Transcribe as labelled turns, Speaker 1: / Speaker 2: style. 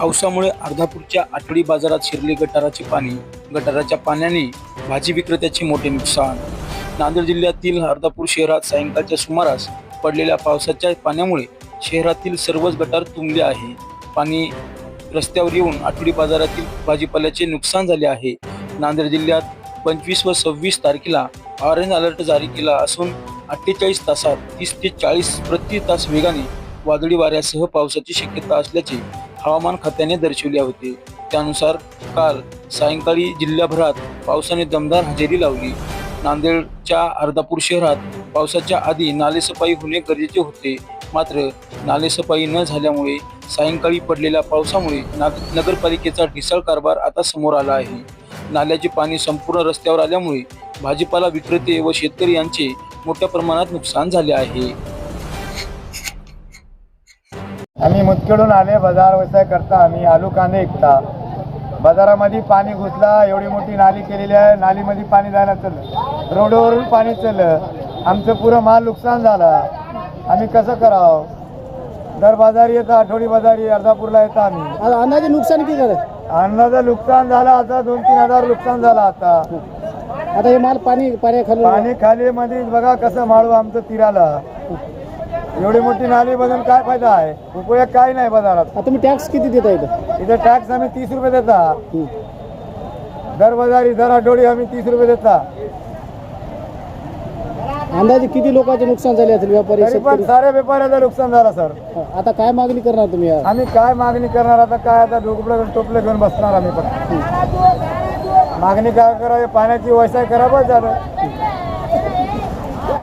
Speaker 1: पावसामुळे अर्धापूरच्या आठवडी बाजारात शिरले गटाराचे पाणी. गटाराच्या पाण्याने भाजी विक्रेत्याचे मोठे नुकसान. नांदेड जिल्ह्यातील अर्धापूर शहरात सायंकाळच्या सुमारास पडलेल्या पावसाच्या पाण्यामुळे शहरातील सर्वच गटार तुंबले आहे. पाणी रस्त्यावर येऊन आठवडी बाजारातील भाजीपाल्याचे नुकसान झाले आहे. नांदेड जिल्ह्यात 25 व 26 तारखेला ऑरेंज अलर्ट जारी केला असून 48 तासात 30 ते 40 प्रति तास वेगाने वादळी वाऱ्यासह पावसाची शक्यता असल्याचे हवामान खात्याने दर्शवले होते. त्यानुसार काल सायंकाळी जिल्ह्याभरात पावसाने दमदार हजेरी लावली. नांदेडच्या अर्धापूर शहरात पावसाच्या आधी नालेसफाई होणे गरजेचे होते, मात्र नालेसफाई न झाल्यामुळे सायंकाळी पडलेल्या पावसामुळे नगरपालिकेचा ढिसाळ कारभार आता समोर आला आहे. नाल्याचे पाणी संपूर्ण रस्त्यावर आल्यामुळे भाजीपाला विक्रेते व शेतकरी यांचे मोठ्या प्रमाणात नुकसान झाले आहे.
Speaker 2: आम्ही मुतखेडून आले, बाजार व्यवसाय करता. आम्ही आलू कांदे विकता. बाजारामध्ये पाणी घुसला, एवढी मोठी नाली केलेली आहे. नालीमध्ये पाणी जायला चाललं, रोडवरून पाणी चाललं. आमचं पुरं माल नुकसान झाला. आम्ही कसं करावं? दर बाजारी येतं, आठवडी बाजारी अर्धापूरला येतं. आम्ही
Speaker 3: अंदाजे नुकसान किती झालं?
Speaker 2: अन्नाचं नुकसान झालं आता 2-3 हजार नुकसान झालं.
Speaker 3: आता हे माल पाण्याखाली
Speaker 2: पाणी खाली मध्ये बघा कसं माळू आमचं तीराला. एवढी मोठी नाली बघून काय फायदा आहे? उपयोग काय नाही बाजारात.
Speaker 3: आता तुम्ही टॅक्स किती देता इथं?
Speaker 2: इथं टॅक्स आम्ही 30 रुपये देता. दर बाजारी दर आठवडी आम्ही 30 रुपये देता.
Speaker 3: अंदाजे किती लोकांचे नुकसान झाले असेल? व्यापारी,
Speaker 2: तरी पण
Speaker 3: शेतकरी?
Speaker 2: सारे व्यापाऱ्याचं नुकसान झालं सर.
Speaker 3: आता काय मागणी करणार तुम्ही?
Speaker 2: आम्ही काय मागणी करणार आता? काय आता डोकं टोपले घेऊन बसणार आम्ही. पण मागणी काय करावी? पाण्याची व्यवसाय करा बस झालं.